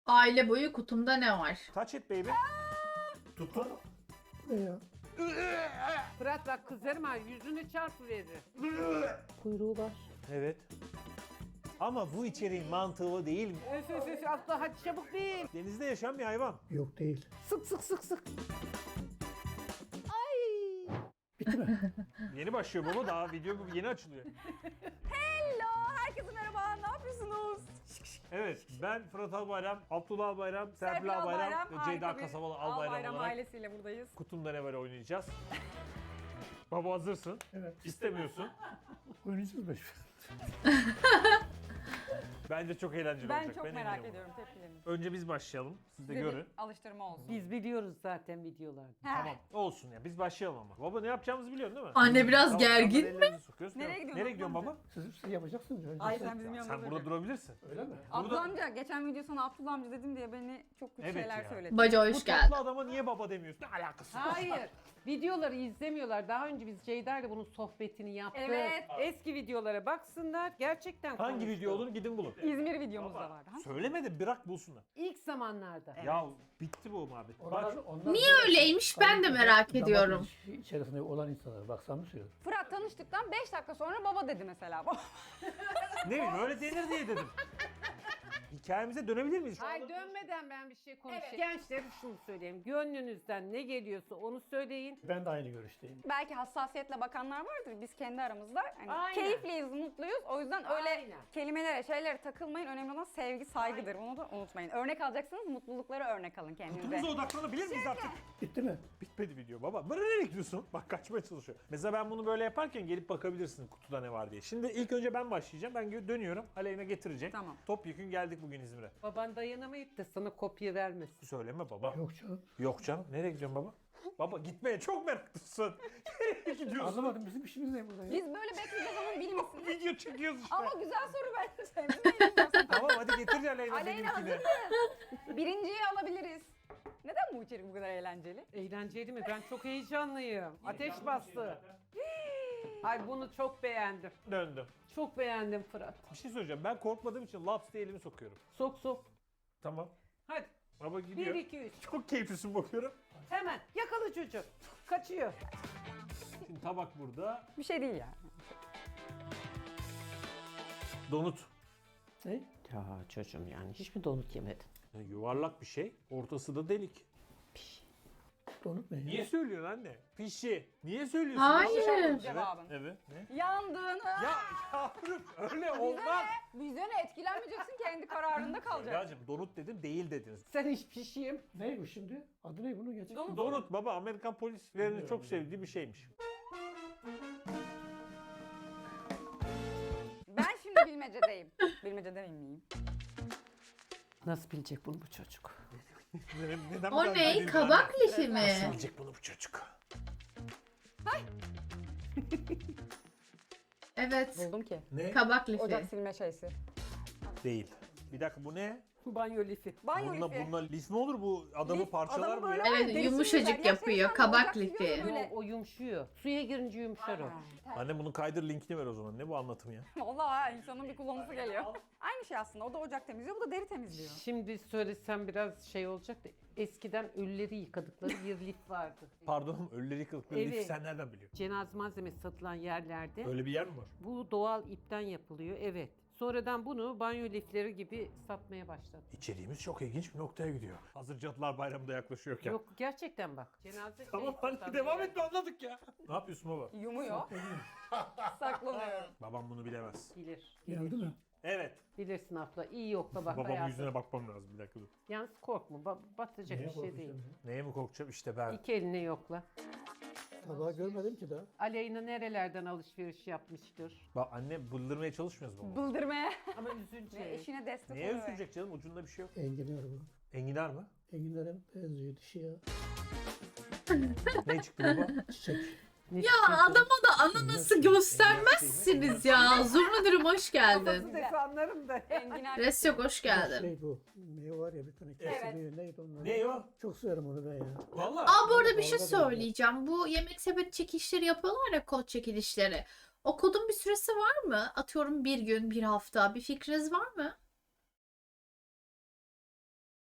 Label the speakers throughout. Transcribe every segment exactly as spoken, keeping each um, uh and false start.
Speaker 1: Aile boyu kutumda ne var?
Speaker 2: Touch it baby. Tutun.
Speaker 3: Ne ya?
Speaker 4: Fırat bak kızarım ha yüzünü çarpıverir.
Speaker 3: Kuyruğu var.
Speaker 2: Evet. Ama bu içeriğin mantığı o değil mi?
Speaker 4: Öf öf öf abla hadi çabuk değil.
Speaker 2: Denizde yaşayan bir hayvan.
Speaker 3: Yok değil.
Speaker 4: Sık sık sık sık.
Speaker 3: Bitti mi?
Speaker 2: Yeni başlıyor baba, daha video yeni açılıyor.
Speaker 5: Hello, herkese merhaba. Ne yapıyorsunuz?
Speaker 2: Evet, ben Fırat Albayram, Abdullah Albayram, Serpil
Speaker 5: Serpil
Speaker 2: Albayram ve
Speaker 5: harika
Speaker 2: Ceyda
Speaker 5: bir
Speaker 2: Kasabalı
Speaker 5: Albayram
Speaker 2: Albayram olarak
Speaker 5: ailesiyle buradayız.
Speaker 2: Kutumda ne var oynayacağız. Baba hazırsın.
Speaker 3: Evet.
Speaker 2: İstemiyorsun.
Speaker 3: Oynayacağız beş.
Speaker 2: Bence çok eğlenceli
Speaker 5: Ben
Speaker 2: olacak.
Speaker 5: çok merak
Speaker 2: eminim.
Speaker 5: ediyorum tepkilerinizi.
Speaker 2: Önce biz başlayalım. Siz de
Speaker 5: Size bir
Speaker 2: görün.
Speaker 5: alıştırma olsun.
Speaker 4: Biz biliyoruz zaten videolarda.
Speaker 5: He.
Speaker 2: Tamam. Olsun ya. Biz başlayalım ama. Baba ne yapacağımızı biliyorsun değil mi?
Speaker 1: Anne biraz
Speaker 2: Tamam,
Speaker 1: gergin
Speaker 2: tamam,
Speaker 1: mi?
Speaker 2: ellerinizi sokuyoruz.
Speaker 5: Nereye
Speaker 2: Tamam.
Speaker 5: gidiyorsun
Speaker 2: Nereye gidiyorsun
Speaker 5: amca?
Speaker 2: baba?
Speaker 3: Siz, siz yapacaksınız önce.
Speaker 5: Ay sen bizim yanımızda
Speaker 2: Sen burada
Speaker 5: duracaksın.
Speaker 2: durabilirsin.
Speaker 3: Öyle mi?
Speaker 5: Abdullah amca geçen video sana Abdullah amca dedim diye beni çok kötü
Speaker 2: Evet
Speaker 5: şeyler
Speaker 2: ya.
Speaker 5: söyledi.
Speaker 1: Baca
Speaker 2: Bu
Speaker 1: hoş
Speaker 2: tatlı
Speaker 1: geldin.
Speaker 2: adama niye baba demiyorsun? Ne alakası var?
Speaker 4: Hayır. Videoları izlemiyorlar. Daha önce biz Ceyda ile bunun sohbetini yaptık.
Speaker 5: Evet.
Speaker 4: Eski videolara baksınlar. Gerçekten
Speaker 2: Hangi
Speaker 4: konuştuk.
Speaker 2: video olduğunu gidin bulun.
Speaker 5: İzmir videomuz da vardı. Ha?
Speaker 2: Söylemedi, bırak bulsunlar.
Speaker 4: İlk zamanlarda.
Speaker 2: Ya bitti bu muhabbet.
Speaker 3: Onlar,
Speaker 2: Bak,
Speaker 3: onlar
Speaker 1: Niye öyleymiş ben de merak
Speaker 3: damak
Speaker 1: ediyorum.
Speaker 3: ilişki içerisinde olan insanlar. Bak sana söylüyorum.
Speaker 5: Fırat tanıştıktan beş dakika sonra baba dedi mesela.
Speaker 2: ne bileyim öyle denir diye dedim. Hikayemize dönebilir miyiz?
Speaker 4: Hayır dönmeden ben bir şey konuşayım. Gençlere şunu söyleyeyim. Gönlünüzden ne geliyorsa onu söyleyin.
Speaker 3: Ben de aynı görüşteyim.
Speaker 5: Belki hassasiyetle bakanlar vardır. Biz kendi aramızda hani
Speaker 4: Aynen.
Speaker 5: keyifliyiz, mutluyuz. O yüzden öyle
Speaker 4: Aynen.
Speaker 5: kelimelere, şeylere takılmayın. Önemli olan sevgi, saygıdır. Bunu da unutmayın. Örnek alacaksınız, mutluluklara örnek alın kendinize.
Speaker 2: Kutumuza odaklanabilir miyiz artık?
Speaker 3: Bitti mi?
Speaker 2: Bitmedi video baba. Böyle nereye gidiyorsun? Bak kaçmaya çalışıyor. Mesela ben bunu böyle yaparken gelip bakabilirsin kutuda ne var diye. Şimdi ilk önce ben başlayacağım. Ben gö- dönüyorum. Aleyna getirecek.
Speaker 5: Tamam.
Speaker 2: Topyekün geldik bugün İzmir'e.
Speaker 4: Baban dayanamayıp da sana kopya vermesin.
Speaker 2: Söyleme baba.
Speaker 3: Yok canım.
Speaker 2: Yok canım. Nereye gidiyorsun baba? Baba gitmeye çok meraklısın. Nereye gidiyorsun?
Speaker 3: Anlamadım bizim işimiz ne burada ya?
Speaker 5: Biz böyle bekleyeceğiz ama bilir misiniz?
Speaker 2: Video çekiyoruz işte.
Speaker 5: Ama güzel soru bence. Biz ne yapacağız?
Speaker 2: Tamam hadi getir Aleyna
Speaker 5: Aleyna
Speaker 2: seninkini.
Speaker 5: hazır Birinciyi alabiliriz. Neden bu içerik bu kadar eğlenceli?
Speaker 4: Eğlenceli mi? Ben çok heyecanlıyım. Ateş bastı. Ay bunu çok beğendim.
Speaker 2: Döndüm.
Speaker 4: Çok beğendim Fırat.
Speaker 2: Bir şey söyleyeceğim. Ben korkmadığım için laps diye elimi sokuyorum.
Speaker 4: Sok sok.
Speaker 2: Tamam.
Speaker 4: Hadi.
Speaker 2: Baba gidiyor.
Speaker 4: Bir, iki, üç.
Speaker 2: Çok keyiflisin bakıyorum.
Speaker 4: Hemen yakala çocuğu. Kaçıyor.
Speaker 2: Şimdi tabak burada.
Speaker 5: Bir şey değil yani.
Speaker 2: Donut.
Speaker 3: Ne?
Speaker 4: Ya çocuğum yani hiç mi donut yemedin?
Speaker 2: Ya yuvarlak bir şey. Ortası da delik.
Speaker 3: Donut ne ya?
Speaker 2: Niye söylüyorsun anne? Pişi. Niye söylüyorsun?
Speaker 1: Hayır.
Speaker 2: Evet.
Speaker 5: Cevabın.
Speaker 2: Evet. Ne?
Speaker 5: Yandığını.
Speaker 2: Ya yavrum öyle olmaz.
Speaker 5: Bizde ne? Etkilenmeyeceksin, kendi kararında kalacaksın.
Speaker 2: Evlacığım donut dedim değil dediniz.
Speaker 4: Sen hiç pişeyim.
Speaker 3: Ne bu şimdi? Adı ne bunun gerçekten?
Speaker 2: Donut baba Amerikan polislerinin çok sevdiği bir şeymiş.
Speaker 5: Ben şimdi bilmecedeyim. Bilmecede miyim?
Speaker 4: Nasıl bilecek bunu bu çocuk?
Speaker 2: Neden, neden bu
Speaker 1: O
Speaker 2: kadar
Speaker 1: ne?
Speaker 2: dedin
Speaker 1: Kabak
Speaker 2: anne?
Speaker 1: lifi mi?
Speaker 2: Nasıl bilecek bunu bu çocuk?
Speaker 1: Evet.
Speaker 5: Buldum ki.
Speaker 2: Ne?
Speaker 1: Kabak
Speaker 5: Ocak
Speaker 1: lifi.
Speaker 5: silme şeysi.
Speaker 2: Değil. Bir dakika bu ne?
Speaker 4: Banyo lifi.
Speaker 5: Banyo
Speaker 2: Bununla,
Speaker 5: lifi.
Speaker 2: bununla lif mi olur bu? Adamı
Speaker 5: Lif,
Speaker 2: parçalar
Speaker 5: adamı
Speaker 2: mı
Speaker 5: böyle
Speaker 2: ya?
Speaker 1: Evet,
Speaker 5: derisi
Speaker 1: yumuşacık
Speaker 5: güzel. Ya
Speaker 1: yapıyor,
Speaker 5: sen
Speaker 1: kabak
Speaker 5: ocak
Speaker 1: lifi.
Speaker 5: siliyorsun böyle.
Speaker 4: O, o yumuşuyor. Suya girince yumuşar o.
Speaker 2: Anne bunun kaydır linkini ver o zaman. Ne bu anlatım ya?
Speaker 5: Vallahi insanın bir kullanısı geliyor. Aynı şey aslında. O da ocak temizliyor, bu da deri temizliyor.
Speaker 4: Şimdi söylesem biraz şey olacak da eskiden ölüleri yıkadıkları bir lif vardı.
Speaker 2: Pardon ölüleri yıkadıkları
Speaker 4: Evet.
Speaker 2: lifi sen nereden biliyorsun?
Speaker 4: Cenaze malzemesi satılan yerlerde
Speaker 2: Öyle bir yer mi var?
Speaker 4: bu doğal ipten yapılıyor. Evet. Sonradan bunu banyo lifleri gibi satmaya başladı.
Speaker 2: İçeriğimiz çok ilginç bir noktaya gidiyor. Hazır Cadılar Bayramı da yaklaşıyorken.
Speaker 4: Yok gerçekten bak. Cenaze
Speaker 2: Tamam
Speaker 4: şey
Speaker 2: hadi
Speaker 4: satan
Speaker 2: devam
Speaker 4: yer.
Speaker 2: etme anladık ya. Ne yapıyorsun baba?
Speaker 5: Yumuyor. Saklanıyor.
Speaker 2: Babam bunu bilemez.
Speaker 4: Bilir.
Speaker 3: Geldi mi?
Speaker 2: Evet.
Speaker 4: Bilirsin abla. İyi yokla bak
Speaker 2: Babamın
Speaker 4: hayatım.
Speaker 2: yüzüne bakmam lazım bir dakika dur.
Speaker 4: Yalnız korkma. Ba- batacak
Speaker 3: Neye
Speaker 4: bir şey değil.
Speaker 3: korkacağım ya?
Speaker 2: Neye mi korkacağım? İşte ben.
Speaker 4: İki eline yokla.
Speaker 3: Tabağı görmedim ki daha.
Speaker 4: Aleyna nerelerden alışveriş yapmıştır?
Speaker 2: Bak anne bıldırmaya çalışmıyoruz baba.
Speaker 5: Bıldırmaya.
Speaker 4: Ama üzünce.
Speaker 5: Ve eşine destek
Speaker 2: Neye
Speaker 5: oluyor.
Speaker 2: üzülecek canım? Ucunda bir şey yok.
Speaker 3: Enginar bu.
Speaker 2: Enginar mı?
Speaker 3: Enginar'a benziyor dişi ya.
Speaker 2: Ne çıktı baba?
Speaker 3: Çiçek.
Speaker 1: Ya adama da ananası göstermezsiniz ya. Zurnadırım hoş geldin.
Speaker 4: Defanlarım da.
Speaker 5: Enginar.
Speaker 1: Resyok hoş geldin.
Speaker 3: Şey bu. Meyve var ya bir tane kesiliyor. Neydi onlar?
Speaker 2: Ne o?
Speaker 3: Çok severim onu ben ya.
Speaker 2: Valla.
Speaker 1: Aa bu arada bir şey
Speaker 3: Dalga dalga.
Speaker 1: söyleyeceğim. Bu yemek sepet çekilişleri yapıyorlar ya, kod çekilişleri. O kodun bir süresi var mı? Atıyorum bir gün, bir hafta. Bir fikriniz var mı?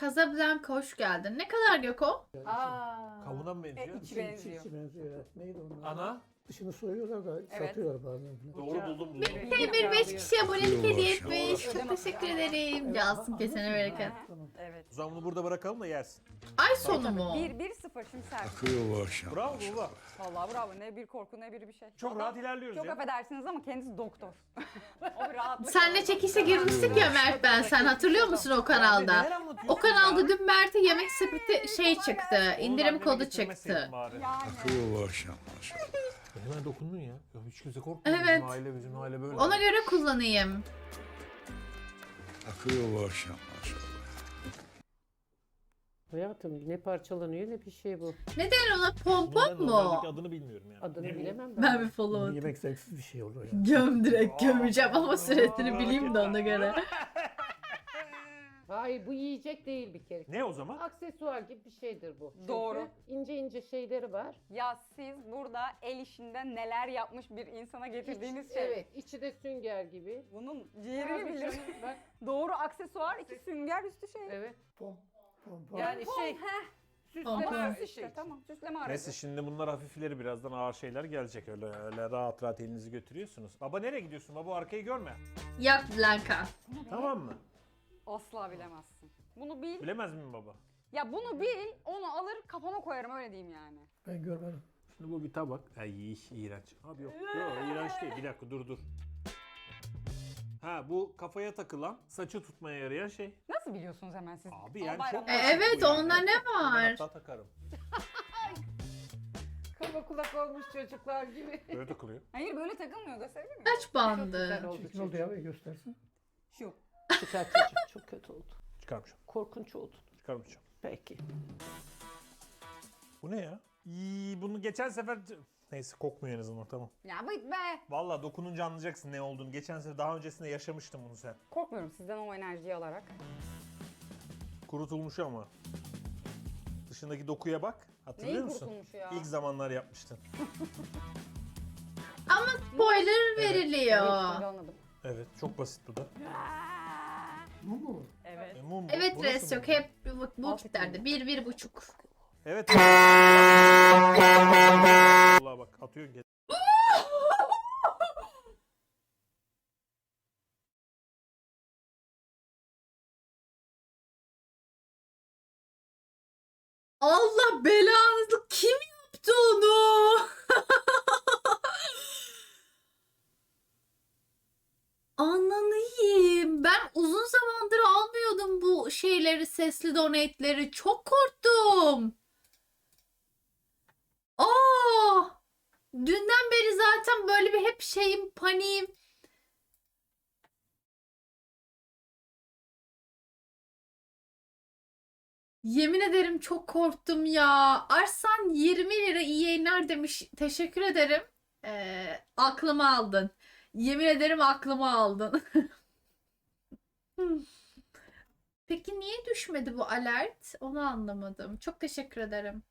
Speaker 1: Casablanca hoş geldin. Ne kadar Göko?
Speaker 4: Aa.
Speaker 2: Kavuna mı benziyor?
Speaker 5: E, içi
Speaker 3: İçi,
Speaker 5: benziyor.
Speaker 3: içi benziyor. Evet. Neydi onlar?
Speaker 2: Ana.
Speaker 3: Dışını soyuyorlar da
Speaker 5: Evet.
Speaker 3: satıyorlar bazen.
Speaker 2: Doğru buldum buldum.
Speaker 1: Hey bir beş kişiye abonelik hediye etmiş. Çok teşekkür ederim. Cansın kesene bereket.
Speaker 3: Tamam.
Speaker 5: Evet.
Speaker 2: O zaman bunu burada bırakalım da yersin.
Speaker 1: Ay sonu mu?
Speaker 5: bir bir sıfır şimdi sert.
Speaker 6: Akıyor bu akşam.
Speaker 2: Bravo baba.
Speaker 5: Vallahi bravo. Ne bir korku ne bir bir şey.
Speaker 2: Çok
Speaker 5: Adam-
Speaker 2: rahat ilerliyoruz
Speaker 5: Çok
Speaker 2: ya.
Speaker 5: affedersiniz ama kendisi doktor. O bir rahatlık.
Speaker 1: Senle çekişe girmiştik ya Mert ben. Sen hatırlıyor musun o
Speaker 2: Neler
Speaker 1: kanalda?
Speaker 2: anlatıyorsun
Speaker 1: O kanalda
Speaker 2: ya?
Speaker 1: dün Mert'e yemek sepeti şey çıktı.
Speaker 2: Onu
Speaker 1: İndirim
Speaker 2: anneme
Speaker 1: kodu
Speaker 2: getirmeseydin
Speaker 1: çıktı.
Speaker 2: bari.
Speaker 5: Yani.
Speaker 6: Akıyor bu akşam maşallah.
Speaker 2: Hemen dokundun ya. Ya hiç kimse korkmuyor.
Speaker 1: Evet.
Speaker 2: Bizim aile bizim aile böyle.
Speaker 1: Ona göre kullanayım.
Speaker 6: Akıyor bu akşam maşallah.
Speaker 4: Hayatım ne parçalanıyor ne bir şey bu.
Speaker 1: Ne denir ona? Pompon
Speaker 2: Normalde-
Speaker 1: mu?
Speaker 2: normaldeki adını bilmiyorum yani.
Speaker 4: Adını
Speaker 2: Ne bu?
Speaker 4: bilemem ben.
Speaker 1: Ben bir follow atayım.
Speaker 3: Yemek zevksiz bir şey olur ya.
Speaker 1: Göm direkt gömeceğim ama süresini bileyim de ona göre.
Speaker 4: Hayır bu yiyecek değil bir kere.
Speaker 2: Ne o zaman?
Speaker 4: Aksesuar gibi bir şeydir bu. Çünkü
Speaker 5: Doğru.
Speaker 4: ince ince şeyleri var.
Speaker 5: Ya siz burada el işinden neler yapmış bir insana getirdiğiniz
Speaker 4: İç-
Speaker 5: şey.
Speaker 4: Evet içi de sünger gibi.
Speaker 5: Bunun ciğerini bilir.
Speaker 4: Bak
Speaker 5: Doğru aksesuar, iki sünger üstü şey.
Speaker 4: evet.
Speaker 3: Pom, pom, pom.
Speaker 4: Yani şey
Speaker 5: Heh,
Speaker 4: süsleme
Speaker 1: Pompon.
Speaker 5: ama
Speaker 4: bir
Speaker 5: işte
Speaker 4: şey.
Speaker 5: tamam süsleme aracı.
Speaker 2: Neyse şimdi bunlar hafifleri birazdan ağır şeyler gelecek öyle öyle rahat rahat elinizi götürüyorsunuz. Baba nereye gidiyorsun? Baba arkayı görme.
Speaker 1: Yak Blanca.
Speaker 2: Tamam mı?
Speaker 5: Asla bilemezsin. Bunu bil.
Speaker 2: Bilemez miyim baba?
Speaker 5: Ya bunu bil, onu alır kafama koyarım öyle diyeyim yani.
Speaker 3: Ben görmedim.
Speaker 2: Şimdi bu bir tabak. Ay iğrenç. Abi yok. Yok iğrenç değil. Bir dakika dur dur. Ha bu kafaya takılan, saçı tutmaya yarayan şey.
Speaker 5: Nasıl biliyorsunuz hemen siz?
Speaker 2: Abi
Speaker 5: Ama
Speaker 2: yani
Speaker 5: bayram-
Speaker 2: çok
Speaker 1: E,
Speaker 2: basit
Speaker 1: evet,
Speaker 2: bu yani.
Speaker 1: onda ne
Speaker 2: Ben
Speaker 1: var?
Speaker 2: hatta takarım.
Speaker 4: Kaba kulak olmuş çocuklar gibi.
Speaker 2: Böyle takılıyor.
Speaker 5: Hayır böyle takılmıyor gösterebilir miyim?
Speaker 1: Kaç bandı?
Speaker 4: Güzel oldu
Speaker 3: Çirkin oldu ya bir göstersin.
Speaker 5: Şu.
Speaker 4: Çıkar çocuk çok kötü oldu.
Speaker 2: Çıkarmışım.
Speaker 4: Korkunç oldu.
Speaker 2: Çıkarmışım.
Speaker 4: Peki.
Speaker 2: Bu ne ya? İyi, bunu geçen sefer... Neyse kokmuyor en azından tamam.
Speaker 5: Ya bıt be.
Speaker 2: Vallahi dokununca anlayacaksın ne olduğunu. Geçen sefer daha öncesinde yaşamıştın bunu sen.
Speaker 5: Korkmuyorum sizden o enerjiyi alarak.
Speaker 2: Kurutulmuş ama. Dışındaki dokuya bak. Hatırlıyor
Speaker 5: Neyi
Speaker 2: musun?
Speaker 5: kurutulmuş ya?
Speaker 2: İlk zamanlar yapmıştın.
Speaker 1: Ama spoiler
Speaker 5: Evet,
Speaker 1: veriliyor.
Speaker 5: şimdi anladım.
Speaker 2: Evet çok basit bu da.
Speaker 3: Bu mu?
Speaker 5: Evet.
Speaker 2: E, mum bu.
Speaker 1: Evet
Speaker 2: Bu nasıl
Speaker 1: res yok
Speaker 2: mum?
Speaker 1: hep bu, bu vakitlerde. Bir, bir buçuk.
Speaker 2: Evet. Vallahi bak atıyorsun. gel-
Speaker 1: Allah belanızı kim yaptı onu? Ananıyım. Ben uzun zamandır almıyordum bu şeyleri, sesli donate'leri. Çok korktum. Aa! Dünden beri zaten böyle bir hep şeyim, paniğim. Yemin ederim çok korktum ya. Arslan yirmi lira iyi yayınlar demiş. Teşekkür ederim. Ee, aklımı aldın. Yemin ederim aklımı aldın. Peki niye düşmedi bu alert? Onu anlamadım. Çok teşekkür ederim.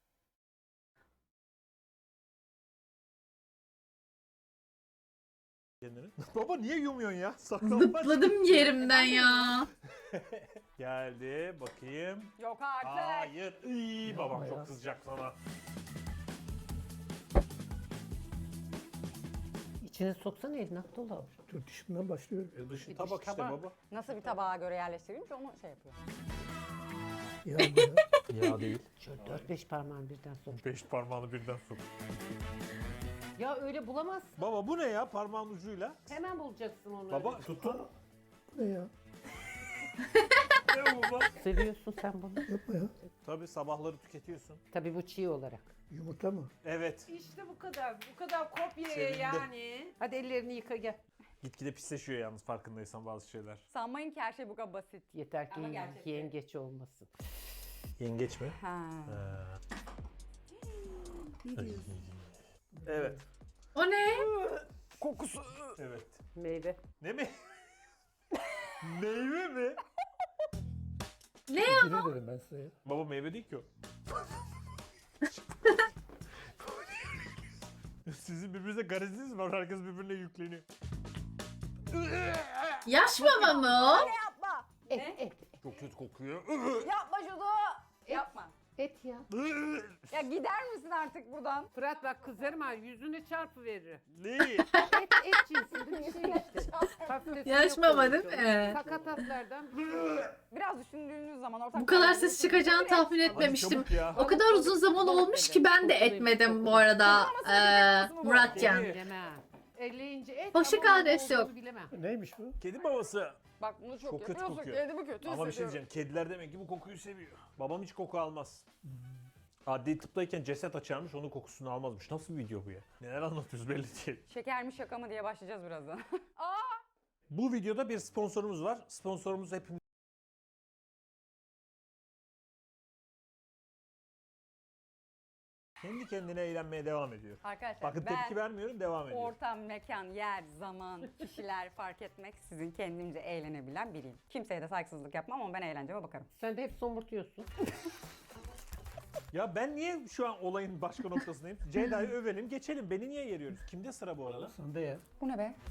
Speaker 2: Kendini. Baba niye yumuyorsun ya? Saklanmaç.
Speaker 1: Zıpladım yerimden ya.
Speaker 2: Geldi bakayım.
Speaker 5: Yok artık.
Speaker 2: Hayır. İyi babam
Speaker 3: Ya.
Speaker 2: çok kızacak sana.
Speaker 4: İçine soksana elini Abdullah.
Speaker 3: Dürtüşümden başlıyorum.
Speaker 2: E, dışı
Speaker 4: Bir
Speaker 2: tabak
Speaker 4: dış
Speaker 2: işte
Speaker 4: tabak.
Speaker 2: baba.
Speaker 5: Nasıl bir tabağa göre yerleştirilmiş onu şey yapıyor.
Speaker 3: Ya bu ya.
Speaker 2: Ya değil.
Speaker 4: Şöyle dört beş parmağını birden sok.
Speaker 2: Beş parmağını birden sok.
Speaker 4: Ya öyle bulamazsın.
Speaker 2: Baba bu ne ya parmağın ucuyla?
Speaker 4: Hemen bulacaksın onu.
Speaker 2: Baba
Speaker 4: öyle.
Speaker 2: tutun.
Speaker 3: Bu ne ya?
Speaker 2: Ne bu baba?
Speaker 4: Seviyorsun sen bunu.
Speaker 3: Yapma ya.
Speaker 2: Tabii sabahları tüketiyorsun.
Speaker 4: Tabii bu çiğ olarak.
Speaker 3: Yumurta mı?
Speaker 2: Evet.
Speaker 4: İşte bu kadar. Bu kadar kopyaya
Speaker 2: Sevindi.
Speaker 4: yani. Hadi ellerini yıka gel.
Speaker 2: Gitgide pisleşiyor yalnız farkındaysan bazı şeyler.
Speaker 5: Sanmayın ki her şey bu kadar basit.
Speaker 4: Yeter ki
Speaker 5: Ama gerçekten.
Speaker 4: yengeç olmasın.
Speaker 2: Yengeç mi?
Speaker 5: Ha.
Speaker 2: Evet.
Speaker 1: O ne?
Speaker 5: Kokusu.
Speaker 2: Evet.
Speaker 4: Meyve.
Speaker 2: Ne mi? Meyve mi?
Speaker 1: Ne?
Speaker 3: Bilir dedim ben size ya.
Speaker 2: Baba meyve değil ki o. Sizin birbirinize gareziniz var. Herkes birbirine yükleniyor.
Speaker 1: Yaş mama mı o?
Speaker 5: Yapma.
Speaker 4: Et,
Speaker 5: Ne?
Speaker 4: et, et.
Speaker 2: Çok kötü kokuyor.
Speaker 5: Yapma şunu. Yapma.
Speaker 4: Et ya.
Speaker 5: Ya gider misin artık buradan?
Speaker 4: Fırat bak kızarım ha yüzüne çarpı verir.
Speaker 2: Ne?
Speaker 4: Et, et cinsinde bir şey işte. Patatesini
Speaker 1: Yaş mama
Speaker 4: yok
Speaker 1: değil
Speaker 4: olmuş
Speaker 1: mi?
Speaker 4: o. Sakatatlardan bir şey.
Speaker 5: Biraz düşündüğünüz zaman ortak
Speaker 1: Bu kadar
Speaker 5: karar
Speaker 1: ses
Speaker 5: bulursunuz.
Speaker 1: çıkacağını tahmin
Speaker 2: Hadi
Speaker 1: etmemiştim.
Speaker 2: çabuk ya.
Speaker 1: O kadar uzun zaman olmuş ki ben de etmedim bu arada. Ee, Muratcan.
Speaker 4: Bilemem. Elleyince et
Speaker 1: Hoşça
Speaker 4: ama
Speaker 1: kal,
Speaker 4: ne
Speaker 1: res yok.
Speaker 4: olduğunu bilemem.
Speaker 3: Neymiş bu?
Speaker 2: Kedi babası.
Speaker 5: Bak bunu çok,
Speaker 2: Çok kötü
Speaker 5: yapıyorsun.
Speaker 2: kokuyor.
Speaker 5: Kendimi kötü
Speaker 2: Ama bir şey
Speaker 5: hissediyorum.
Speaker 2: diyeceğim. Kediler demek ki bu kokuyu seviyor. Babam hiç koku almaz. Adli tıptayken ceset açarmış, onun kokusunu almazmış. Nasıl bir video bu ya? Neler anlatıyoruz belli değil.
Speaker 5: Şeker mi şaka mı diye başlayacağız birazdan.
Speaker 2: Bu videoda bir sponsorumuz var. Sponsorumuz hepimiz. Kendi kendine eğlenmeye devam ediyor.
Speaker 5: Arkadaşlar
Speaker 2: Bakın
Speaker 5: ben
Speaker 2: tepki vermiyorum, devam ediyor.
Speaker 5: ortam, mekan, yer, zaman, kişiler fark etmek sizin kendimce eğlenebilen biriyim. Kimseye de saygısızlık yapmam ama ben eğlenceme bakarım.
Speaker 4: Sen de hep somurtuyorsun.
Speaker 2: Ya ben niye şu an olayın başka noktasındayım? Ceyda'yı övelim, geçelim. Beni niye yeriyoruz? Kimde sıra bu arada?
Speaker 3: Sen de ya.
Speaker 5: Bu ne be?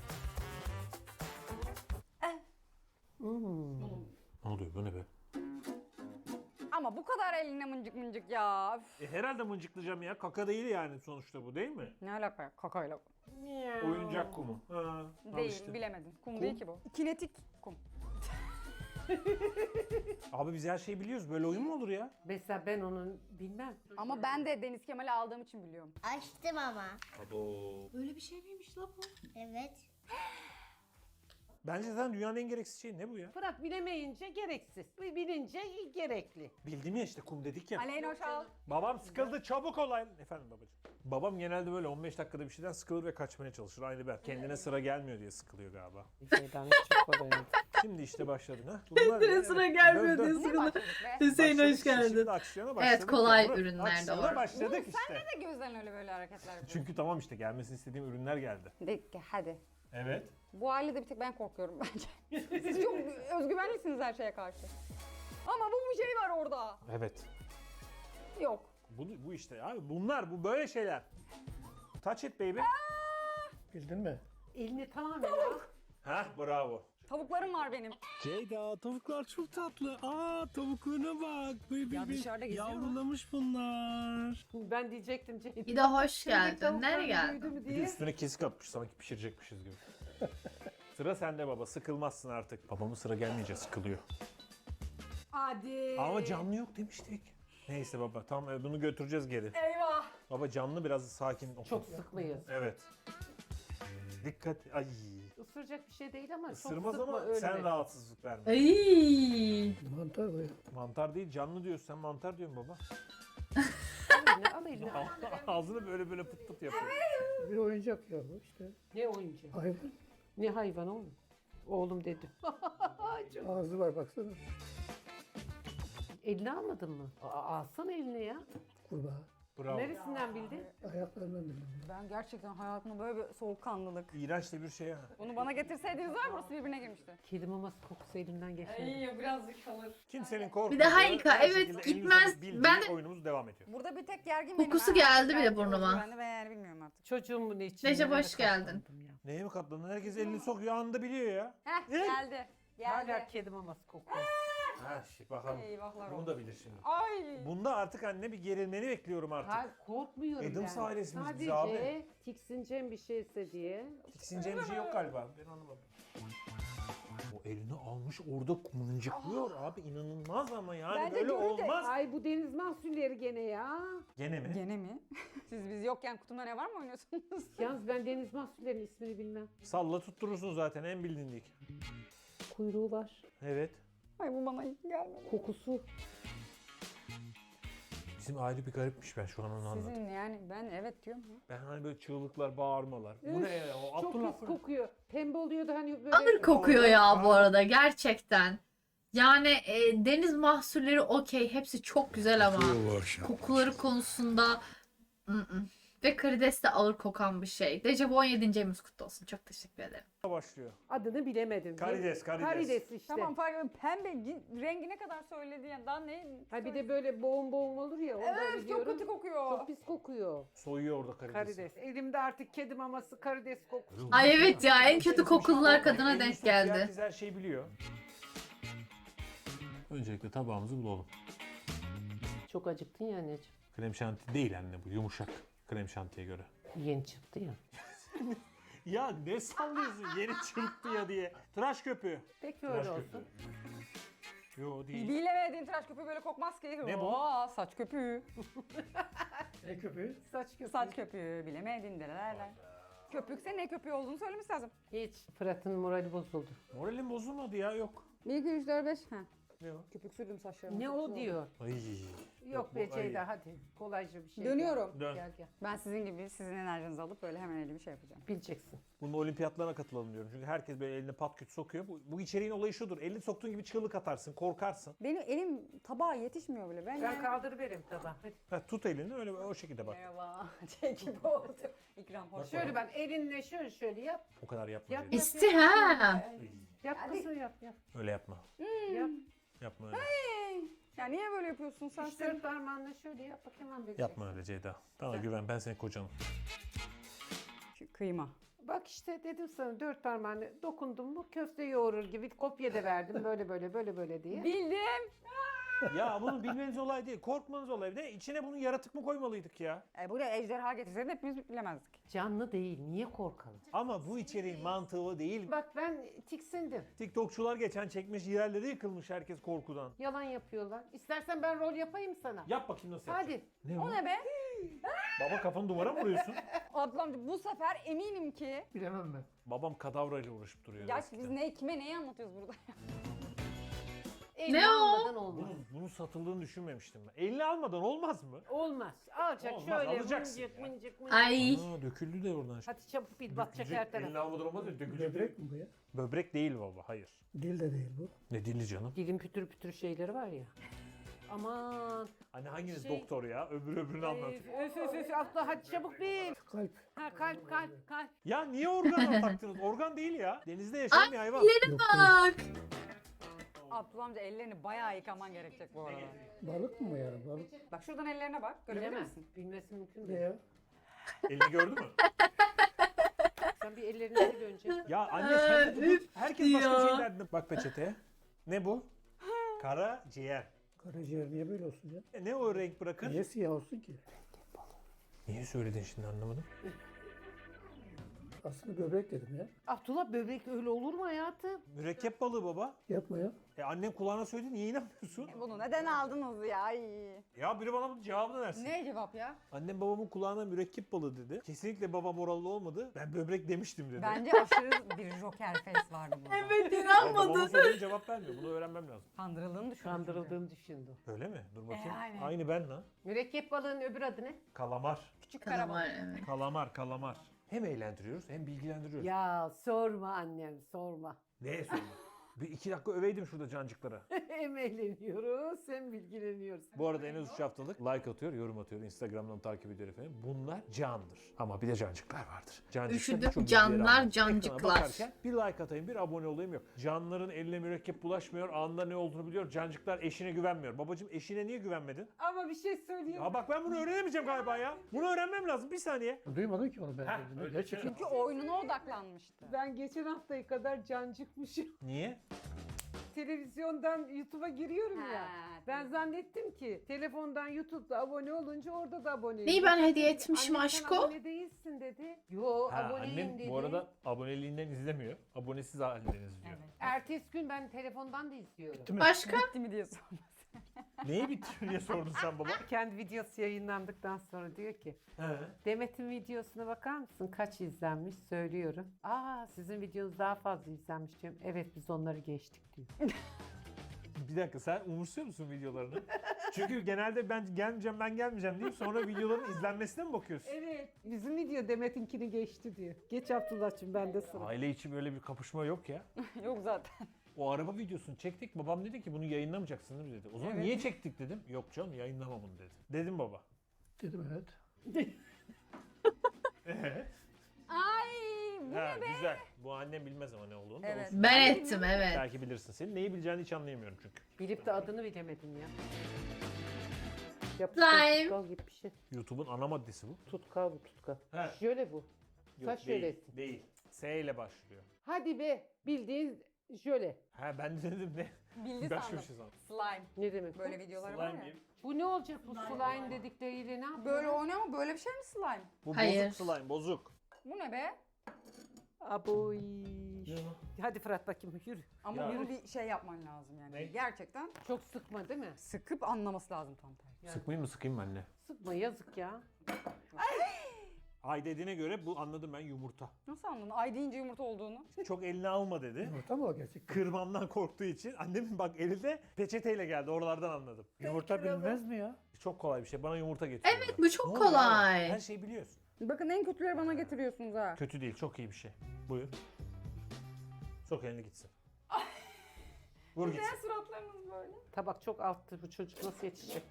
Speaker 2: Ne oluyor? Bu ne be?
Speaker 5: Ama bu kadar eline mıncık mıncık ya. Üf.
Speaker 2: E, herhalde mıncıklayacağım ya. Kaka değil yani sonuçta bu, değil mi?
Speaker 5: Ne alaka ya? Kakayla.
Speaker 2: Oyuncak kumu. Ha, al
Speaker 5: Değil,
Speaker 2: işte.
Speaker 5: bilemedin. Kum,
Speaker 2: Kum.
Speaker 5: değil ki bu. Kinetik kum.
Speaker 2: Abi biz her şeyi biliyoruz. Böyle oyun mu olur ya?
Speaker 4: Mesela ben onun bilmem.
Speaker 5: Ama ben de Deniz Kemal'i aldığım için biliyorum.
Speaker 7: Açtım ama.
Speaker 1: Böyle bir şey miymiş la bu?
Speaker 7: Evet.
Speaker 2: Bence zaten dünyanın en gereksiz şeyi ne bu ya?
Speaker 4: Fırat bilemeyince gereksiz. Bilince gerekli.
Speaker 2: Bildim ya işte kum dedik ya.
Speaker 5: Aleyna Şal.
Speaker 2: Babam sıkıldı, çabuk olay. Efendim babacığım. Babam genelde böyle on beş dakikada bir şeyden sıkılır ve kaçmaya çalışır. Aynı ben. Kendine sıra gelmiyor diye sıkılıyor galiba.
Speaker 4: Bir şeyden hiç çıkmadı henüz.
Speaker 2: Şimdi işte başladın ha. Bunlar,
Speaker 1: Kendine sıra gelmiyor
Speaker 2: Dön, dön.
Speaker 1: diye
Speaker 5: Ne
Speaker 1: sıkıldı.
Speaker 5: başladık be?
Speaker 1: Hüseyin
Speaker 2: Başladık
Speaker 1: hoş
Speaker 2: işte,
Speaker 1: geldin.
Speaker 2: Şimdi aksiyona başladık.
Speaker 1: Evet, kolay
Speaker 2: yavrum.
Speaker 1: ürünler
Speaker 2: Aksiyona
Speaker 1: doğru.
Speaker 2: başladık işte.
Speaker 5: Sen de gözden öyle böyle hareketler yapıyorsun.
Speaker 2: Çünkü tamam işte gelmesini istediğim ürünler geldi.
Speaker 5: De, hadi.
Speaker 2: Evet.
Speaker 5: Bu ailede bir tek ben korkuyorum bence. Siz çok özgüvenlisiniz her şeye karşı. Ama bu bir şey var orada.
Speaker 2: Evet.
Speaker 5: Yok.
Speaker 2: Bu, bu işte abi bunlar bu böyle şeyler. Touch it baby.
Speaker 3: Bildin mi?
Speaker 4: Elini tamamen al.
Speaker 2: Hah bravo.
Speaker 5: Tavuklarım var benim.
Speaker 8: Ceyda tavuklar çok tatlı. Aa tavuklarına bak. Baby,
Speaker 5: Ya dışarıda geziyor mu?
Speaker 8: yavrulamış bunlar.
Speaker 4: Ben diyecektim Ceyda.
Speaker 1: Bir de hoş
Speaker 4: Köpek
Speaker 1: geldin.
Speaker 4: tavuklar
Speaker 1: Nereye geldin?
Speaker 4: büyüdü mü
Speaker 2: Bir de
Speaker 4: diye.
Speaker 2: üstüne kesik atmış sanki pişirecekmişiz gibi. Sıra sende baba, sıkılmazsın artık. Babamın sıra gelmeyince sıkılıyor.
Speaker 4: Hadi.
Speaker 2: Ama canlı yok demiştik. Neyse baba tamam e, bunu götüreceğiz geri.
Speaker 5: Eyvah.
Speaker 2: Baba canlı biraz sakin ol.
Speaker 4: Çok sıkmayız.
Speaker 2: Evet. Dikkat. Ay.
Speaker 4: Isıracak bir şey değil ama çok
Speaker 2: Isırmaz
Speaker 4: sıkma
Speaker 2: ama
Speaker 4: öyle.
Speaker 2: sen rahatsızlık verme.
Speaker 1: Ay.
Speaker 3: Mantar bu ya.
Speaker 2: Mantar değil canlı diyorsun, sen mantar diyorsun baba.
Speaker 4: Al eline, al eline.
Speaker 2: Ağzını böyle böyle pıt pıt yapıyor.
Speaker 3: Bir oyuncak ya bu işte.
Speaker 4: Ne oyuncağı?
Speaker 3: Hayvan.
Speaker 4: Ne hayvan oğlum? Oğlum dedim.
Speaker 3: Ağzı var baksana.
Speaker 4: Eline almadın mı? Aa, alsana eline ya.
Speaker 3: Kurbağa.
Speaker 2: Bravo.
Speaker 4: Neresinden bildin?
Speaker 3: Ayaklarından bildim.
Speaker 5: Ben gerçekten hayatımda böyle bir soğukkanlılık.
Speaker 2: İğrenç de bir şey ha.
Speaker 5: Bunu bana getirseydiniz var burası birbirine girmişti.
Speaker 4: Kedi maması kokusu elimden geçmedi.
Speaker 5: birazcık kalır.
Speaker 2: Kimsenin korkmadığı.
Speaker 1: Bir de harika,
Speaker 2: her
Speaker 1: evet,
Speaker 2: şekilde elinize
Speaker 1: gitmez.
Speaker 2: bildiği
Speaker 1: Ben de-
Speaker 2: oyunumuz devam ediyor.
Speaker 5: Burada bir tek gergin
Speaker 1: Kokusu
Speaker 5: benim.
Speaker 1: geldi bile
Speaker 5: Belki
Speaker 1: burnuma.
Speaker 5: Ben de ben yani bilmiyorum artık.
Speaker 4: Çocuğumun için.
Speaker 1: Recep,
Speaker 4: nelere
Speaker 1: hoş geldin.
Speaker 4: katlandım ya.
Speaker 2: Neye mi katlandın? Herkes elini sokuyor anında biliyor ya.
Speaker 5: Heh
Speaker 2: Ne?
Speaker 5: geldi. Geldi.
Speaker 4: Hala kedi maması kokuyor.
Speaker 2: Ha şey bakalım.
Speaker 5: Eyvahlar
Speaker 2: Bunu
Speaker 5: olsun.
Speaker 2: da bilir şimdi.
Speaker 5: Ay.
Speaker 2: Bunda artık anne bir gerilmeni bekliyorum artık.
Speaker 4: Hayır korkmuyorum
Speaker 2: Adams
Speaker 4: yani.
Speaker 2: ailesiniz biz
Speaker 4: Sadece
Speaker 2: abi.
Speaker 4: tiksineceğim bir şeyse diye.
Speaker 2: Tiksineceğim bir şey yok galiba. Ben anlamadım. O elini almış orada mıncıklıyor abi inanılmaz ama yani
Speaker 5: Ben de
Speaker 2: böyle
Speaker 5: görünce-
Speaker 2: olmaz.
Speaker 4: Ay bu deniz mahsulleri gene ya.
Speaker 2: Gene mi?
Speaker 5: Gene mi? Siz biz yokken kutumda ne var mı oynuyorsunuz?
Speaker 4: Yalnız ben deniz mahsullerinin ismini bilmem.
Speaker 2: Salla tutturursun zaten en bilindik.
Speaker 4: Kuyruğu var.
Speaker 2: Evet.
Speaker 5: Ay bu bana hiç gelmedi.
Speaker 4: Kokusu.
Speaker 2: Bizim aile bir garipmiş ben şu an onu anladım.
Speaker 5: Sizin yani ben evet diyorum ya.
Speaker 2: Ben hani böyle çığlıklar, bağırmalar. Bu
Speaker 4: Üf,
Speaker 2: ne ya? O
Speaker 4: Çok
Speaker 2: Abdullah
Speaker 4: pis
Speaker 2: Fırın-
Speaker 4: kokuyor. Pembe oluyordu hani böyle.
Speaker 1: Ağır kokuyor ya bu arada gerçekten. Yani e, deniz mahsulleri okey. Hepsi çok güzel ama
Speaker 6: Bu akşam.
Speaker 1: kokuları konusunda ı-ı. Ve karides de ağır kokan bir şey. Dejavu on yedinci ayımız kutlu olsun. Çok teşekkür ederim.
Speaker 2: başlıyor.
Speaker 4: Adını bilemedim.
Speaker 2: Karides, karides.
Speaker 4: Karides işte.
Speaker 5: Tamam fark etmem. Pembe gi- rengi ne kadar söyledi yani daha ne?
Speaker 4: Ha bir de böyle boğum boğum olur ya. Ondan
Speaker 5: Evet çok
Speaker 4: biliyorum.
Speaker 5: kötü kokuyor.
Speaker 4: Çok pis kokuyor.
Speaker 2: Soyuyor orada karidesi.
Speaker 4: Karides. Elimde artık kedi maması karides kokusu.
Speaker 1: Ay evet ya en kötü kokular kadına
Speaker 2: Elini
Speaker 1: denk
Speaker 2: sokuyor,
Speaker 1: geldi.
Speaker 2: Herkes her şeyi biliyor. Öncelikle tabağımızı bulalım.
Speaker 4: Çok acıktın ya anneciğim.
Speaker 2: Krem şanti değil anne bu. Yumuşak. Krem şantiye göre.
Speaker 4: Yeni çıktı ya.
Speaker 2: Ya ne sallıyorsun yeni çıktı ya diye. Tıraş köpüğü.
Speaker 4: Peki
Speaker 2: Tıraş
Speaker 4: öyle
Speaker 2: köpüğü.
Speaker 4: olsun.
Speaker 2: Yo değil.
Speaker 5: Bilemediğin tıraş köpüğü böyle kokmaz ki.
Speaker 2: Ne bu?
Speaker 5: Oo, saç köpüğü.
Speaker 3: Ne köpüğü?
Speaker 4: Saç köpüğü.
Speaker 5: Saç köpüğü bilemedin derelerler. Köpükse ne köpüğü olduğunu söylemesi lazım.
Speaker 4: Hiç. Fırat'ın morali bozuldu.
Speaker 2: Moralim bozulmadı ya yok.
Speaker 5: bir, iki, üç, dört, beş. Ha.
Speaker 2: Ne o?
Speaker 5: Köpük sürdüm saçlarıma.
Speaker 4: Ne o diyor.
Speaker 2: Ay.
Speaker 4: Yok
Speaker 2: bu-
Speaker 4: be
Speaker 2: ay.
Speaker 4: Ceyda hadi. Kolayca bir şey.
Speaker 5: Dönüyorum.
Speaker 2: Dön.
Speaker 4: Gel gel.
Speaker 5: Ben sizin gibi sizin enerjinizi alıp böyle hemen elimi şey yapacağım.
Speaker 4: Bileceksin.
Speaker 2: Bunun olimpiyatlarına katılalım diyorum. Çünkü herkes böyle eline pat küt sokuyor. Bu, bu içeriğin olayı şudur. Elini soktuğun gibi çığlık atarsın, korkarsın.
Speaker 5: Benim elim tabağa yetişmiyor bile. Ben,
Speaker 4: Ben
Speaker 5: yani...
Speaker 4: kaldırıverim tabağı. Hadi.
Speaker 2: Ha, tut elini öyle o şekilde bak.
Speaker 5: Merhaba. Şey gibi oldu. İkram hoş.
Speaker 4: Şöyle bak elinle şöyle şöyle yap.
Speaker 2: O kadar yapma.
Speaker 4: Yap.
Speaker 2: Ceyda.
Speaker 1: İsti ha.
Speaker 4: Yap kızım yap yap.
Speaker 2: Öyle yapma.
Speaker 4: Yap.
Speaker 2: Yapma öyle.
Speaker 5: Ya niye böyle yapıyorsun sen?
Speaker 4: Üç dört parmağınla şöyle yap bak hemen bileceksin.
Speaker 2: Yapma öyle Ceyda. Bana güven ben senin kocanım.
Speaker 5: Şu kıyma.
Speaker 4: Bak işte dedim sana dört parmağını dokundum mu köfte yoğurur gibi kopya da verdim böyle böyle böyle böyle diye.
Speaker 5: Bildim.
Speaker 2: Ya bunu bilmeniz olay değil. Korkmanız olay. Bir de içine bunu yaratık mı koymalıydık ya?
Speaker 5: E, buraya ejderha getirseydin hepimiz bilemezdik.
Speaker 4: Canlı değil niye korkalım?
Speaker 2: Ama bu içeriğin mantığı o değil.
Speaker 4: Bak ben tiksindim.
Speaker 2: TikTokçular geçen çekmiş yerleri yıkılmış herkes korkudan.
Speaker 4: Yalan yapıyorlar. İstersen ben rol yapayım sana.
Speaker 2: Yap bakayım nasıl yapacaksın.
Speaker 4: Hadi.
Speaker 2: Ne
Speaker 5: O ne be?
Speaker 2: Baba kafanı duvara mı vuruyorsun?
Speaker 5: Ablam bu sefer eminim ki.
Speaker 3: Bilemem ben.
Speaker 2: Babam kadavrayla uğraşıp duruyor.
Speaker 5: Gerçi
Speaker 2: eskiden.
Speaker 5: biz ne kime neyi anlatıyoruz burada?
Speaker 4: Elini
Speaker 1: Ne o?
Speaker 4: almadan olmaz.
Speaker 2: Bunun, bunun satıldığını düşünmemiştim ben. Elini almadan olmaz mı?
Speaker 4: Olmaz. Alacak
Speaker 2: Olmaz,
Speaker 4: şöyle
Speaker 2: alacaksın
Speaker 4: mıncık
Speaker 2: ya.
Speaker 4: mıncık mıncık.
Speaker 1: Ay.
Speaker 2: Aa, döküldü de oradan.
Speaker 4: Hadi çabuk bil batacak her
Speaker 2: Elini
Speaker 4: taraf.
Speaker 2: almadan olmaz ya dökülecek.
Speaker 3: Böbrek mi bu ya?
Speaker 2: Böbrek değil baba hayır.
Speaker 3: Dil de değil bu.
Speaker 2: Ne dili canım?
Speaker 4: Dilin pütür pütür şeyleri var ya. Aman.
Speaker 2: Hani hanginiz
Speaker 4: Şey-
Speaker 2: doktor ya? Öbürü öbürünü anlat.
Speaker 4: Öf öf öf abla hadi çabuk bil.
Speaker 3: Kalp.
Speaker 4: Ha kalp kalp kalp.
Speaker 2: Ya niye organa taktınız? Organ değil ya. Denizde yaşayan bir hayvan.
Speaker 1: Ellerine bak.
Speaker 5: Abdullah amca ellerini bayağı yıkaman gerekecek bu arada.
Speaker 3: Balık mı bu yani? Balık.
Speaker 5: Bak şuradan ellerine bak. Görebilir
Speaker 4: Bilemez.
Speaker 5: misin?
Speaker 4: Bilmesi mümkün
Speaker 3: Ne
Speaker 4: değil.
Speaker 3: ya?
Speaker 2: Elini gördü mü?
Speaker 4: Sen bir ellerini sil önce.
Speaker 2: Ya anne sen de
Speaker 1: üf
Speaker 2: herkes başka
Speaker 1: ya.
Speaker 2: şey derdi. Bak peçeteye. Ne bu? Kara ciğer.
Speaker 3: Karaciğer niye böyle olsun ya?
Speaker 2: E, ne o renk bırakır?
Speaker 3: Niye siyah olsun ki?
Speaker 2: Niye söyledin şimdi anlamadım.
Speaker 3: Aslında böbrek dedim ya.
Speaker 4: Abdullah böbrek öyle olur mu hayatım?
Speaker 2: Mürekkep balığı baba.
Speaker 3: Yapma ya.
Speaker 2: E annem kulağına söyledi niye inanmıyorsun?
Speaker 5: Bunu neden aldınız ya? Ay.
Speaker 2: Ya biri bana bunun cevabını versin.
Speaker 5: Ne cevap ya?
Speaker 2: Annem babamın kulağına mürekkep balığı dedi. Kesinlikle babam oralı olmadı. Ben böbrek demiştim dedi.
Speaker 5: Bence aşırı bir joker face vardı burada.
Speaker 1: Evet
Speaker 2: Ya babamın
Speaker 1: inanmadın.
Speaker 2: söylediği cevap vermiyor. Bunu öğrenmem lazım.
Speaker 5: Kandırıldığını düşün.
Speaker 4: Kandırıldığını düşündüm.
Speaker 2: Öyle mi? Dur bakayım.
Speaker 5: E, aynen.
Speaker 2: Aynı ben lan.
Speaker 4: Mürekkep balığının öbür adı ne?
Speaker 2: Kalamar.
Speaker 5: Küçük karabalık.
Speaker 1: Kalamar evet.
Speaker 2: Kalamar, kalamar. Hem eğlendiriyoruz hem bilgilendiriyoruz.
Speaker 4: Ya sorma annem sorma.
Speaker 2: Neye sorma? Bir iki dakika öveydim şurada cancıklara.
Speaker 4: Hem eğleniyoruz hem bilgileniyoruz.
Speaker 2: Bu arada en az üç haftalık like atıyor, yorum atıyor. Instagram'dan takip ediyor efendim. Bunlar candır. Ama bir de cancıklar vardır. Cancıklar
Speaker 1: Üşüdüm,
Speaker 2: birçok
Speaker 1: canlar,
Speaker 2: bilgileri anlatır.
Speaker 1: cancıklar.
Speaker 2: Ekrana bakarken bir like atayım, bir abone olayım yok. Canların eline mürekkep bulaşmıyor, anında ne olduğunu biliyor. Cancıklar eşine güvenmiyor. Babacım eşine niye güvenmedin?
Speaker 4: Ama bir şey söyleyeyim.
Speaker 2: Ya bak ben bunu öğrenemeyeceğim galiba ya. Bunu öğrenmem lazım bir saniye.
Speaker 3: Duymadın ki onu ben.
Speaker 2: Heh,
Speaker 3: dedim.
Speaker 2: öyle
Speaker 3: Gerçekten.
Speaker 5: Çünkü oyununa odaklanmıştı.
Speaker 4: Ben geçen haftayı kadar cancıkmışım.
Speaker 2: Niye?
Speaker 4: Televizyondan YouTube'a giriyorum ya.
Speaker 5: Ha,
Speaker 4: Ben zannettim ki telefondan YouTube'da abone olunca orada da aboneyim.
Speaker 1: Neyi ben hediye etmişim
Speaker 4: Annem sen
Speaker 1: aşko?
Speaker 4: abone değilsin dedi. Yo
Speaker 2: Ha,
Speaker 4: aboneyim
Speaker 2: annem
Speaker 4: dedi.
Speaker 2: bu arada aboneliğinden izlemiyor. Abonesiz halinden izliyor.
Speaker 5: Evet.
Speaker 4: Ertesi gün ben telefondan da izliyorum.
Speaker 1: Başka?
Speaker 5: Bitti mi diye sordu.
Speaker 2: Neyi bitti diye sordun sen baba.
Speaker 4: Kendi videosu yayınlandıktan sonra diyor ki
Speaker 2: He.
Speaker 4: Demet'in videosuna bakar mısın? Kaç izlenmiş? Söylüyorum. Aa sizin videonuz daha fazla izlenmiş diyorum. Evet biz onları geçtik diyor.
Speaker 2: Bir dakika sen umursuyor musun videolarını? Çünkü genelde ben gelmeyeceğim ben gelmeyeceğim deyip sonra videoların izlenmesine mi bakıyorsun?
Speaker 4: Evet. Bizim video Demet'inkini geçti diyor. Geç Abdullah'cığım ben de sıra.
Speaker 2: Aile içi böyle bir kapışma yok ya.
Speaker 5: Yok zaten.
Speaker 2: O araba videosunu çektik. Babam dedi ki bunu yayınlamayacaksın değil mi dedi. O zaman
Speaker 5: Evet.
Speaker 2: niye çektik dedim. Yok canım yayınlamam bunu dedi. Dedim baba.
Speaker 3: Dedim evet.
Speaker 2: Evet.
Speaker 5: Ay bu
Speaker 2: Ha,
Speaker 5: ne be?
Speaker 2: güzel. Bu annem bilmez ama ne olduğunu da
Speaker 5: Evet.
Speaker 2: olsun.
Speaker 1: Ben ettim evet.
Speaker 2: Belki bilirsin. Senin neyi bileceğini hiç anlayamıyorum çünkü.
Speaker 4: Bilip de adını bilemedim ya.
Speaker 1: Slime.
Speaker 4: Tutkal gibi bir şey.
Speaker 2: YouTube'un ana maddesi bu.
Speaker 4: Tutkal bu tutkal.
Speaker 2: He.
Speaker 4: Şöyle bu.
Speaker 2: Yok,
Speaker 4: Saç
Speaker 2: değil,
Speaker 4: şölesi.
Speaker 2: değil. S ile başlıyor.
Speaker 4: Hadi be bildiğin Jöle.
Speaker 2: Ha ben de dedim ne?
Speaker 5: Bildi
Speaker 2: Başka
Speaker 5: sandım.
Speaker 2: bir şey sandım.
Speaker 5: Slime.
Speaker 4: Ne demek
Speaker 5: Böyle
Speaker 4: bu?
Speaker 5: videoları var
Speaker 2: Slime
Speaker 5: ya.
Speaker 2: diyeyim.
Speaker 4: Bu ne olacak bu slime dedikleriyle ne yapıyor?
Speaker 5: Böyle oynuyor mu? Böyle bir şey mi slime?
Speaker 2: Bu
Speaker 1: Hayır.
Speaker 2: bozuk slime bozuk.
Speaker 5: Bu ne be?
Speaker 4: Aboy. Hadi Fırat bakayım yürü.
Speaker 5: Ama
Speaker 2: Ya.
Speaker 5: bunu bir şey yapman lazım yani.
Speaker 2: Ne?
Speaker 5: Gerçekten
Speaker 4: Çok sıkma değil mi?
Speaker 5: sıkıp anlaması lazım tam tersi.
Speaker 2: Sıkmayayım mı sıkayım mı anne?
Speaker 4: Sıkma yazık ya.
Speaker 2: Ay dediğine göre bu anladım ben yumurta.
Speaker 5: Nasıl anladın? Ay deyince yumurta olduğunu.
Speaker 2: Çok eline alma dedi.
Speaker 3: Yumurta mı o gerçekten?
Speaker 2: Kırmamdan korktuğu için annemin bak elinde peçeteyle geldi oralardan anladım.
Speaker 3: Yumurta bilmez mi ya?
Speaker 2: Çok kolay bir şey bana yumurta getiriyor.
Speaker 1: Evet, bu çok
Speaker 2: Ne oluyor
Speaker 1: kolay.
Speaker 2: abi? Her şeyi biliyorsun.
Speaker 5: Bakın en kötüleri bana getiriyorsunuz ha.
Speaker 2: Kötü değil çok iyi bir şey. Buyur. Sok elini gitsin. Vur
Speaker 5: Neden
Speaker 2: gitsin.
Speaker 5: suratlarınız böyle?
Speaker 4: Tabak çok alttı bu çocuk nasıl yetişecek?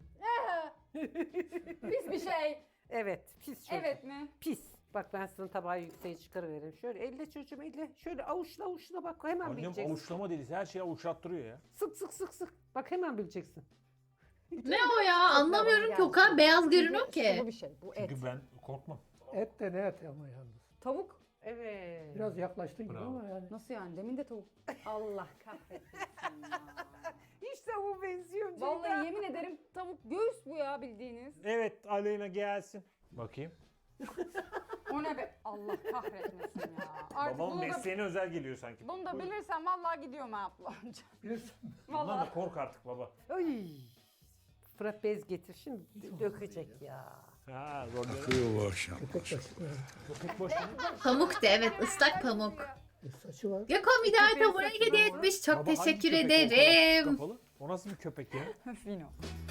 Speaker 5: Pis bir şey.
Speaker 4: Evet pis çocuk.
Speaker 5: Evet mi?
Speaker 4: Pis. Bak ben sana tabağı yükseğe çıkarıveririm. Şöyle elle çocuğum elle. Şöyle avuçla avuçla bak hemen
Speaker 2: Annem
Speaker 4: bileceksin.
Speaker 2: avuçlama delisi her şeyi avuçlattırıyor ya.
Speaker 4: Sık sık sık sık. Bak hemen bileceksin.
Speaker 1: Ne o ya? Anlamıyorum ki, o kadar beyaz görünüyor
Speaker 5: Bu
Speaker 1: ki.
Speaker 5: bir şey. Bu et.
Speaker 2: Çünkü ben korkmam.
Speaker 3: Et de ne et ama yalnız.
Speaker 5: Tavuk.
Speaker 4: Evet.
Speaker 3: Biraz yaklaştın gibi
Speaker 2: Bravo.
Speaker 3: ama yani.
Speaker 5: Nasıl yani? Demin de tavuk. Allah kahretsin ya.
Speaker 4: İşte bu benziyor.
Speaker 5: Vallahi yemin ederim tavuk göğüs bu ya bildiğiniz.
Speaker 2: Evet Aleyna gelsin. Bakayım.
Speaker 5: O ne be? Allah kahretmesin ya. Artık
Speaker 2: Babamın
Speaker 5: bunu da,
Speaker 2: mesleğine özel geliyor sanki.
Speaker 5: bunu da bilirsem vallahi gidiyorum ha abla.
Speaker 3: Bilirsin.
Speaker 2: Bundan
Speaker 5: Vallahi.
Speaker 2: da kork artık baba.
Speaker 4: Ay. Fırat bez getir şimdi dökecek ya.
Speaker 2: Ha rolleri.
Speaker 6: Akıyor bu akşam.
Speaker 3: Köpek başı. Evet.
Speaker 2: Köpek boş mu?
Speaker 1: Pamuk de, evet, ıslak pamuk.
Speaker 3: E, saçı var.
Speaker 1: Gökhan bir daha abone hediye etmiş. Çok
Speaker 2: Baba, hangi
Speaker 1: teşekkür
Speaker 2: köpek o kadar
Speaker 1: ederim.
Speaker 2: kapalı? O nasıl bir köpek ya?
Speaker 5: Fino.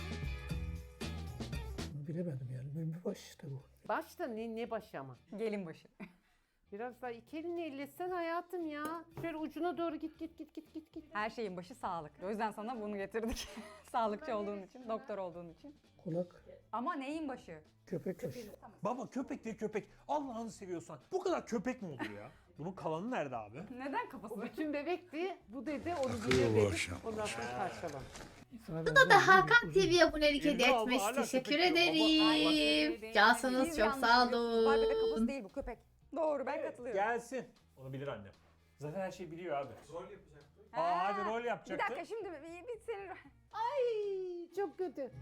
Speaker 3: Bunu bilemedim yani. Mümbü baş işte bu.
Speaker 4: Başta ne, ne başı ama.
Speaker 5: Gelin başı.
Speaker 4: Biraz daha iki elini ellesen hayatım ya. Şöyle ucuna doğru git git git git git git.
Speaker 5: Her şeyin başı sağlık. O yüzden sana bunu getirdik. Sağlıkçı olduğun için, doktor olduğun için.
Speaker 3: Kulak.
Speaker 5: Ama neyin başı?
Speaker 3: Köpek başı.
Speaker 2: Baba köpek diye köpek. Allah'ını seviyorsan. Bu kadar köpek mi olur ya? Bunun kalanı nerede abi?
Speaker 5: Neden kafası?
Speaker 4: O bütün bebekti. Bu dedi onu
Speaker 6: Akıyor
Speaker 4: bilir
Speaker 6: bu
Speaker 4: dedi.
Speaker 6: akşam.
Speaker 4: Ondan sonra parçalan.
Speaker 3: Bu
Speaker 1: Da Hakan T V abonelik
Speaker 2: Elini
Speaker 1: hediye
Speaker 2: alma,
Speaker 1: etmiş.
Speaker 2: hala
Speaker 1: Teşekkür
Speaker 2: köpek diyor.
Speaker 1: ederim.
Speaker 5: Biz
Speaker 1: Cansınız, çok
Speaker 5: yanlış
Speaker 1: sağ
Speaker 5: biliyorsunuz. Barbie'de kafası
Speaker 1: olun.
Speaker 5: değil bu köpek. Doğru ben katılıyorum.
Speaker 2: Gelsin. Onu bilir annem. Zaten her şeyi biliyor abi. Rol yapacaktı. Aa
Speaker 5: Ha,
Speaker 2: hadi rol
Speaker 5: Bir
Speaker 2: yapacaktı.
Speaker 5: dakika şimdi bir, bir senin...
Speaker 4: Ay çok kötü.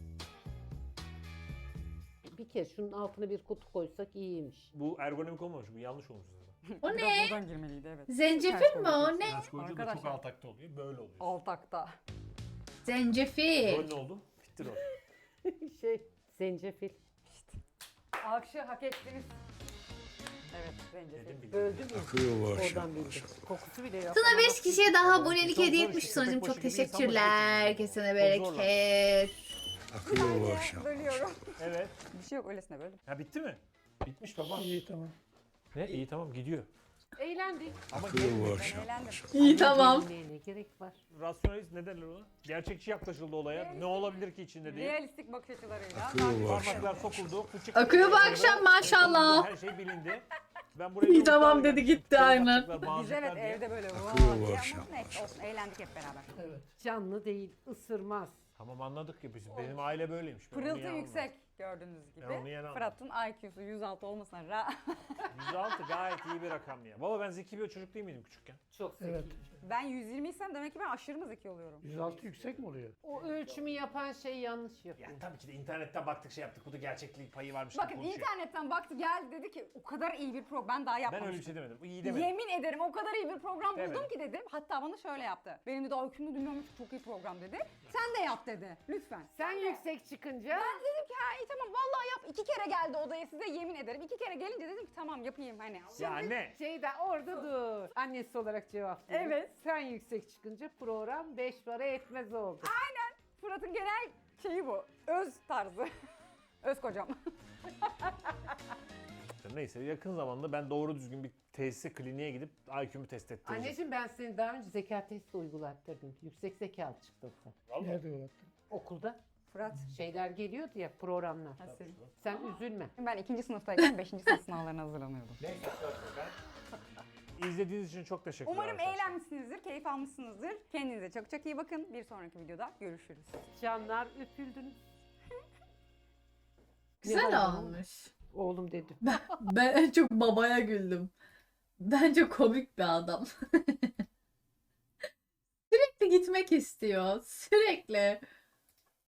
Speaker 4: Bir kez şunun altına bir kutu koysak iyiymiş.
Speaker 2: Bu ergonomik olmamış. Bu yanlış olmuş zaten.
Speaker 1: O
Speaker 5: Biraz
Speaker 1: ne?
Speaker 5: buradan girmeliydi evet.
Speaker 1: Zencefil mi o? Ne?
Speaker 2: Ters koyunca da çok
Speaker 5: Arkadaşlar.
Speaker 2: altakta oluyor. Böyle oluyor.
Speaker 5: Altakta.
Speaker 1: Zencefil.
Speaker 2: Rol ne oldu? Bitti rol.
Speaker 4: şey zencefil.
Speaker 5: Alkışı hak ettiniz. Evet zencefil.
Speaker 2: Dedim bildim.
Speaker 4: Öldü mü?
Speaker 6: Akıyor bu akşam.
Speaker 4: Oradan bildi. Kokusu bile yok.
Speaker 1: Sana beş kişiye daha abonelik
Speaker 2: Çok
Speaker 1: hediye
Speaker 2: zor
Speaker 1: etmiş
Speaker 2: işte,
Speaker 1: sonucum.
Speaker 2: köpek
Speaker 1: Çok
Speaker 2: başı gibi insan başı
Speaker 1: teşekkürler.
Speaker 2: geçiyor.
Speaker 1: Kesene
Speaker 2: Çok zorlar.
Speaker 1: bereket.
Speaker 6: Akıyor bu akşam.
Speaker 5: Bölüyorum.
Speaker 2: Evet.
Speaker 5: Bir şey yok öylesine böldüm.
Speaker 2: Ha bitti mi? Bitmiş baba.
Speaker 3: İyi tamam.
Speaker 2: Ne? İyi tamam gidiyor.
Speaker 4: Eğlendik.
Speaker 2: Ama
Speaker 6: Akıyor bu
Speaker 2: gel-
Speaker 6: akşam.
Speaker 5: Eğlendim.
Speaker 1: İyi tamam.
Speaker 4: Ne, ne gerek var?
Speaker 2: rasyonelist ne derler ona? Gerçekçi yaklaşıldı olaya. Ne olabilir ki içinde diye.
Speaker 5: Realistik bakış açılarıyla.
Speaker 6: Akıyor bu akşam.
Speaker 2: Parmaklar sokuldu. fıçık-
Speaker 1: Akıyor bu akşam maşallah.
Speaker 2: Her şey bilindi. Ben buraya
Speaker 1: İyi
Speaker 2: bir
Speaker 1: tamam
Speaker 2: umutlarla
Speaker 1: dedi,
Speaker 2: gelmiştim.
Speaker 1: gitti
Speaker 2: Kol
Speaker 1: aynen.
Speaker 2: bakacaklar,
Speaker 5: Biz
Speaker 2: bağıracaklar
Speaker 5: evet
Speaker 2: diye.
Speaker 5: evde böyle
Speaker 6: Akıyor
Speaker 5: vaa
Speaker 6: bu
Speaker 5: diye
Speaker 6: akşam.
Speaker 5: ama neyse olsun eğlendik hep beraber.
Speaker 3: Evet.
Speaker 4: Canlı değil, ısırmaz.
Speaker 2: Tamam anladık ya biz. Benim aile böyleymiş. Ben onu
Speaker 5: Pırıltı
Speaker 2: yeni
Speaker 5: yüksek gördüğünüz gibi.
Speaker 2: Ben onu yeni anladım.
Speaker 5: Fırat'ın I Q'su yüz altı olmasına rağmen
Speaker 2: anladım. yüz altı gayet iyi bir rakam ya. Baba ben zeki bir çocuk değil miydim küçükken?
Speaker 4: Çok zeki.
Speaker 3: Evet.
Speaker 5: ben yüz yirmi isem demek ki ben aşırı mı zeki oluyorum?
Speaker 3: yüz altı yüksek mi oluyor?
Speaker 4: O ölçümü yapan şey yanlış yapıyor.
Speaker 2: Ya tabii ki de internetten baktık şey yaptık. Bu da gerçeklik payı varmış.
Speaker 5: Bakın
Speaker 2: gibi konuşuyor.
Speaker 5: internetten baktı geldi dedi ki o kadar iyi bir program ben daha
Speaker 2: Ben
Speaker 5: yapmamıştım.
Speaker 2: öyle bir şey demedim. İyi demedim.
Speaker 5: Yemin ederim o kadar iyi bir program buldum
Speaker 2: Demedim.
Speaker 5: ki dedim. Hatta bana şöyle yaptı. Benim de daha hükümlü dinliyormuş çok iyi program dedi. Sen de yap dedi. Lütfen.
Speaker 4: Sen yüksek çıkınca
Speaker 5: Ben dedim ki ha iyi tamam vallahi yap. İki kere geldi odaya size yemin ederim. İki kere gelince dedim ki tamam yapayım hani.
Speaker 2: Ya ne?
Speaker 4: şey de orada dur. Annesi olarak cevap veriyor.
Speaker 5: Evet.
Speaker 4: Sen yüksek çıkınca program beş para etmez oldu.
Speaker 5: Fırat'ın genel şeyi bu. Öz tarzı. Öz kocam.
Speaker 2: Neyse yakın zamanda ben doğru düzgün bir tesise kliniğe gidip I Q'mu test ettireceğim.
Speaker 4: Anneciğim ben seni daha önce zeka testi uygulattırdım. Yüksek zekalı çıktın sen.
Speaker 2: Vallahi.
Speaker 3: Nerede uğrattın?
Speaker 4: Okulda
Speaker 5: Fırat.
Speaker 4: şeyler geliyordu ya programlar.
Speaker 5: Asil.
Speaker 4: Sen üzülme.
Speaker 5: Ben ikinci sınıftayken beşinci sınıf sınavlarına hazırlanıyordum.
Speaker 2: Neyse ben. İzlediğiniz için çok teşekkürler.
Speaker 5: Umarım
Speaker 2: arkadaşlar.
Speaker 5: eğlenmişsinizdir, keyif almışsınızdır. Kendinize çok çok iyi bakın. Bir sonraki videoda görüşürüz.
Speaker 4: Canlar öpüldünüz.
Speaker 1: Güzel
Speaker 4: Ne oldu?
Speaker 1: olmuş.
Speaker 4: Oğlum dedim.
Speaker 1: Ben en çok babaya güldüm. Bence komik bir adam. gitmek istiyor sürekli.